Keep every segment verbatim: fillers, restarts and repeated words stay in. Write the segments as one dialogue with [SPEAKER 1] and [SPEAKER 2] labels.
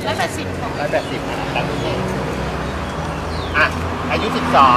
[SPEAKER 1] ร้อยแปดสิบ
[SPEAKER 2] ร้อยแปดสิบตามนี้อ่ะอายุสิบสอง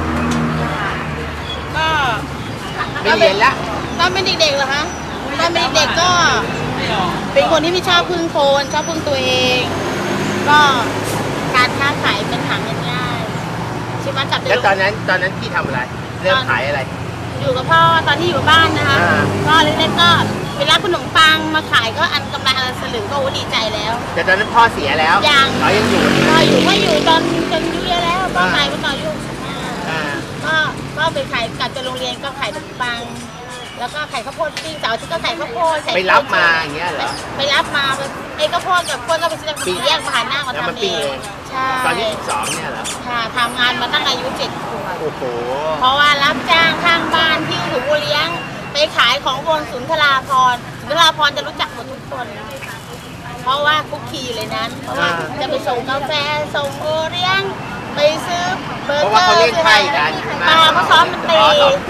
[SPEAKER 1] ก็
[SPEAKER 2] ไม่เรียนละ
[SPEAKER 1] ตอนเป็นเด็กๆเหรอคะตอนเป็นเด็กก็เป็นคนที่ไม่ชอบพึ่งคนชอบพึ่งตัวเองก็การค้าขายเป็นหาเงินง่ายใช่ไหมจับ
[SPEAKER 2] แล้วตอนนั้นตอนนั้นพี่ทำอะไรเริ่มขายอะไร
[SPEAKER 1] อยู่กับพ่อตอนที่อยู่บ้านนะคะก็เล็กๆก็เวลาขนมปังมาขายก็อันกำไรอันละสลึงก็ดีใจแล้ว
[SPEAKER 2] แต่ตอนนั้นพ่อเสียแล้ว
[SPEAKER 1] ยัง
[SPEAKER 2] เขายังอยู่
[SPEAKER 1] ก็อยู่ก็อยู่ตอนจนอายุเยอะแล้วก็ขายมาตอนอายุหกสิบห้าก็ก็ไปขายกลับจากโรงเรียนก็ขายขนมปังแล้วก็ขายข้าวโพดปิ้งเสาร์ที่ก็ขายข้าวโพด
[SPEAKER 2] ไปรับมาอย่างเงี้ยเหรอ
[SPEAKER 1] ไปรับมาไอ้ข้าวโพดกับข้าวโพดก็ไปซื้อจากแยกมาหาหน้ามาทำเองใช่
[SPEAKER 2] ตอนที่สิบสองเนี่ยเหรอ
[SPEAKER 1] ค่ะทำงานมาตั้งอายุเจ็ดขวบ
[SPEAKER 2] โอ้โห
[SPEAKER 1] เพราะว่ารับจ้างข้างบ้านที่ถูกเลี้ยงไปขายของบนศูนย์ธราพรศูนย์ธราพรจะรู้จักหมดทุกคนเพราะว่าคุกคีอยู่เลยนั้นเพราะว่าจะไปส่งกาแฟส่งโอเลี้ยงไปซื้อเบอร์เกอร์เขาเล่นไพ่กันมาเขาซ้อมมันตี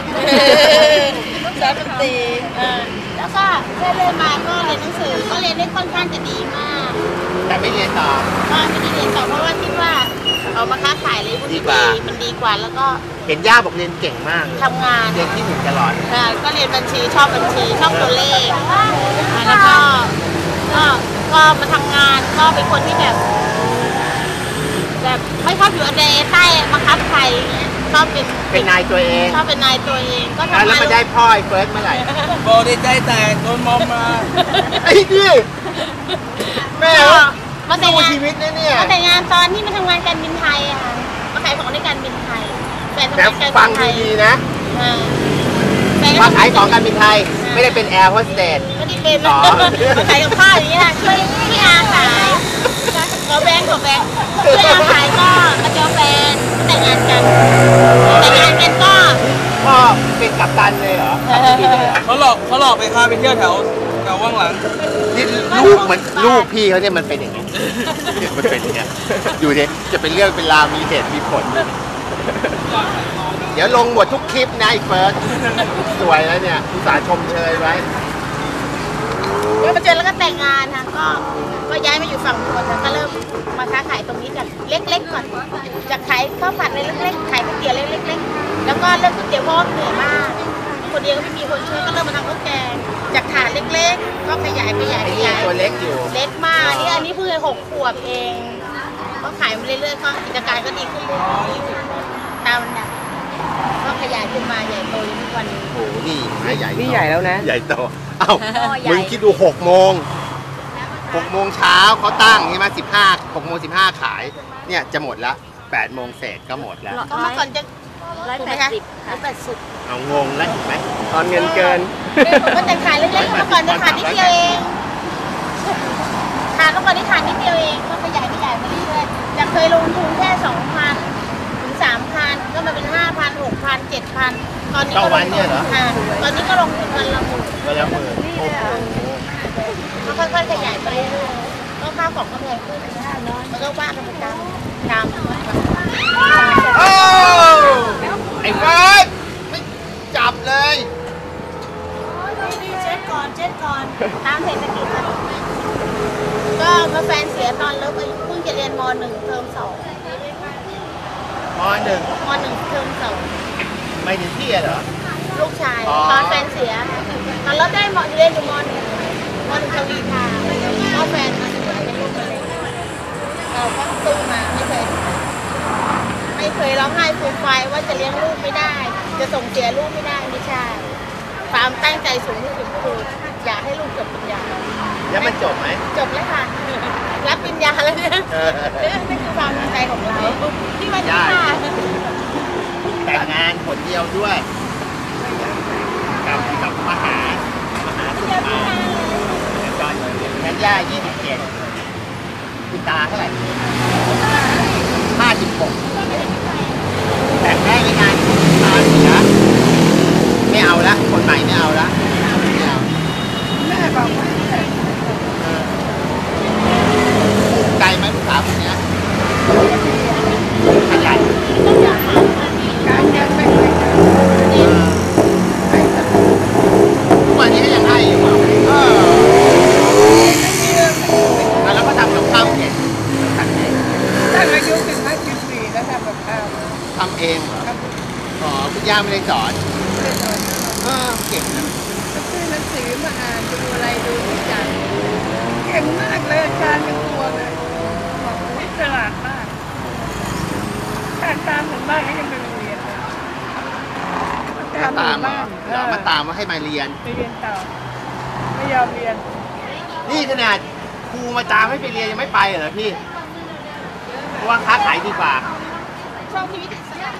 [SPEAKER 1] ซ้อมมันตีแล้วก็เรื่อยๆมาก็เรียนหนังสือก็เรียนได้ค่อนข้างจะดีมาก
[SPEAKER 2] แต่ไม่เรียนต่อ
[SPEAKER 1] ก็ไม่ได้เรียนต่อเพราะว่าคิดว่าเอามาค้าขายเลยดีกว่ามันดีกว่าแล้วก็
[SPEAKER 2] เห็นย่าบอกเรียนเก่งมาก
[SPEAKER 1] ทำงาน
[SPEAKER 2] เรียนที่หนึ่งตลอด
[SPEAKER 1] ก็เรียนบัญชีชอบบัญชีชอบตัวเลขแล้วก็ก็ก็มาทำงานก็เป็นคนที่แบบแบบไม่ชอบอยู่ในใต้บังคับใครชอบเป็น
[SPEAKER 2] เป็นนายตัวเอง
[SPEAKER 1] ชอบเป็นนายตัวเองก็ทำงาน
[SPEAKER 2] แล้วมาได้พ่อไอ้เฟิร์สเมื่อไหร่
[SPEAKER 3] โบได้ใจแตกโดนมอมมา
[SPEAKER 2] ไอ้ดิแม่
[SPEAKER 1] มาแต่งงาน
[SPEAKER 2] ชีวิตนะเนี่ย
[SPEAKER 1] มาแต่งงานตอนที่มาทำงานการบินไทยอะค่ะมาขายของในการบินไทยแฟนทำงานการบินไทย
[SPEAKER 2] ดีนะมาขายของการบินไทยไม่ได้เป็นแอร์โฮสเตส
[SPEAKER 1] ไม่ได้เป็นมาขายกับข้าวอย่างนี้ค่ะช่วยพี่อาขายขอแบงค์ขอแบงค์ช่วยอาขายก็มาเจอแฟนแต่งงานกันแต่งงานกันก็
[SPEAKER 2] พ่อเป็นกัปตันเลยเหรอ
[SPEAKER 3] เขาหลอกเขาหลอกไปพาไปเที่ยวแถวแถวว่างหลัง
[SPEAKER 2] นี่ลูกมันลูกพี่เขาเนี่ยมันเป็นอย่างนี้มันเป็นอย่างนี้อยู่เนี่ยจะเป็นเรื่องเป็นราวมีเหตุมีผลเดี๋ยวลงหมดทุกคลิปนะไอ้เฟิร์สสวยแล้วเนี่ยอุตส่าห์ชมเชยไว้
[SPEAKER 1] ก็มาเจอแล้วก็แต่งงานค่ะก็ก็ย้ายมาอยู่ฝั่งทนก็เริ่มมาค้าขายตรงนี้จากเล็กๆก่อนจากขายข้าวผัดเล็กๆขายก๋วยเตี๋ยวเล็กๆแล้วก็เริ่มก๋วยเตี๋ยวเพราะเหนื่อยมากคนเดียวก็ไม่มีคนช่วยก็เริ่มมาทำข้าวแกงจากถาดเล็กๆก็ขยายขยายขยาย
[SPEAKER 2] ตัวเล็กอยู่
[SPEAKER 1] เล็กมากนี่อันนี้เพิ่งหกขวบเองก็ขายมาเรื่อยๆก็กิจการก็ดีขึ้นเรื่อยๆตามนั้นก็ขยายขึ้นมาใหญ่โตทุกวันนี้
[SPEAKER 2] โอ้โหนี่ใหญ่
[SPEAKER 4] นี่ใหญ่แล้วนะ
[SPEAKER 2] ใหญ่โตเอ้ามึงคิดดูหกโมงหกโมงเช้าเขาตั้งใช่ไหมสิบห้าหกโมงสิบห้าขายเนี่ยจะหมดละแปดโมงเศษก็หมดแล้ว
[SPEAKER 1] ก็เมื่อก่อนจะร้อยแปดสิบร้อยแปดสิบ
[SPEAKER 2] เอางงแล้วเห็นไหม
[SPEAKER 4] ตอนเงินเกิน
[SPEAKER 1] ก็แต่ขายเล็กๆเมื่อก่อนจะขายนิดเดียวเองขายเมื่อก่อนที่ขายนิดเดียวเองก็ขยายขยายมาเรื่อยๆจากเคยลงทุนแค่สองพันถึงสามพันก็มาเป็นห้าพันหกพันเจ็ดพันตอนนี้
[SPEAKER 2] ก็วันเนี่ยเหรอ
[SPEAKER 1] ตอนนี้ก็ลงทุนวันละหมื่น
[SPEAKER 2] วันละหมื่น
[SPEAKER 1] ก็ค่อยๆขยายไปเรื่อยๆก็ค่าของก็แพงขึ้นมันก็ว่ากันไปตามตาม
[SPEAKER 2] โอ้ไอ้เฟิร์สไม่จับเลย
[SPEAKER 1] เช็ดก่อนเช็ดก่อนตามเศรษฐกิจก็มาแฟนเสียตอนเลิกเพิ่งจะเรียนม.หนึ่งเทอมสอง
[SPEAKER 2] ม.หนึ่ง
[SPEAKER 1] ม.หนึ่งเทอมสอง
[SPEAKER 2] ไม่ถึงที่เหรอ
[SPEAKER 1] ลูกชายตอนแฟนเสียตอนเราได้ม.เรียนอยู่ม.หนึ่งม.หนึ่งทวีทาก็แฟนมาเป็นลูกมาเลยเราก็ตู้มาไม่เคยไม่เคยร้องไห้ฟูมไฟว่าจะเลี้ยงลูกไม่ได้จะส่งเสียลูกไม่ได้ไม่ใช่ความตั้งใจสูงที่สุดคืออยากให้ลูกจบปริญญา
[SPEAKER 2] แล้วมันจบไหม
[SPEAKER 1] จบแล้วค่ะรับปริญญาแล้วเนี่ยนี่คือความตั้งใจของเราที่มาที่มา
[SPEAKER 2] แต่งงานคนเดียวด้วยกับกับมหามหาสุภาตอนแม่ย่ายี่สิบเจ็ดคุณตาเท่าไหร่ห้าสิบหกแต่งได้ยังไงตาเสียไม่เอาละคนใหม่ไม่เอาละไม่เอาแม่บอกว่าไกลไหมลูกสาวคนนี้ขยันการยังไม่เคยทุกวันนี้ก็ยังให้อยู่เออแล้วก็ทำกับข้าวเก่งย่าไม่ได้สอนเออเก่งนะ
[SPEAKER 4] ซื้อหนังสือมาอ่านดูอะไรดูทุกอย่างเก่งมากเลยอาจารย์เป็นตัวเลยบอกว่าฉลาดมากแต่ตามถึงบ้านก็ยังไปโรงเรียนเลย
[SPEAKER 2] มาตามเหรอ
[SPEAKER 4] เอ
[SPEAKER 2] เหรอ
[SPEAKER 4] อ
[SPEAKER 2] มาตามมาให้มาเรียน
[SPEAKER 4] ไปเรียนต่อไม่ยอมเรียน
[SPEAKER 2] นี่ขนาดครูมาตามให้ไปเรียนยังไม่ไปเหรอพี่เพราะว่าค้าขายดีกว่า
[SPEAKER 1] ช่องชีวิต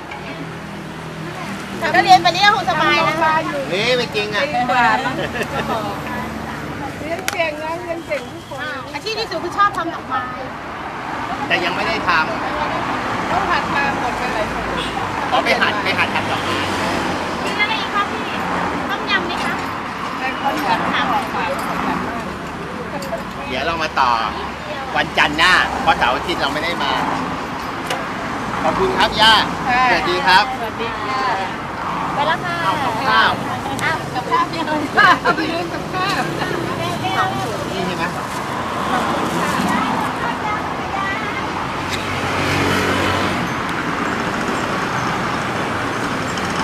[SPEAKER 1] แต่ก็เรียนไปนี้ก็คงสบายนะ
[SPEAKER 2] เฮ้ยไม่จริงอ่ะ
[SPEAKER 4] ดีกว่านะเรียนเก่งนะเรียนเก่งทุกคน
[SPEAKER 1] อาชีพที่สุดคือชอบทำดอกไม้
[SPEAKER 2] แต่ยังไม่ได้ท
[SPEAKER 4] ต้องหัดมาหมดไปหลายคน
[SPEAKER 2] ำขอไปหัดไปหัดทำดอกไม้
[SPEAKER 1] กินอะไรอีกครับพี่ต้มยำไหมคะ
[SPEAKER 4] ในคนหัดมาออกมาขยันมาก
[SPEAKER 2] เดี๋ยวเรามาต่อวันจันทร์หน้าเพราะเสาร์อาทิตย์เราไม่ได้มา ขอบคุณครับย่าสวัสดีครับ
[SPEAKER 4] สวัสดีค่ะ
[SPEAKER 1] ไปแล้วค่ะ
[SPEAKER 2] เอากับข้าว
[SPEAKER 1] อ้าวกับข้าวเพียง
[SPEAKER 4] ข้าวไปเรียนกับข้าว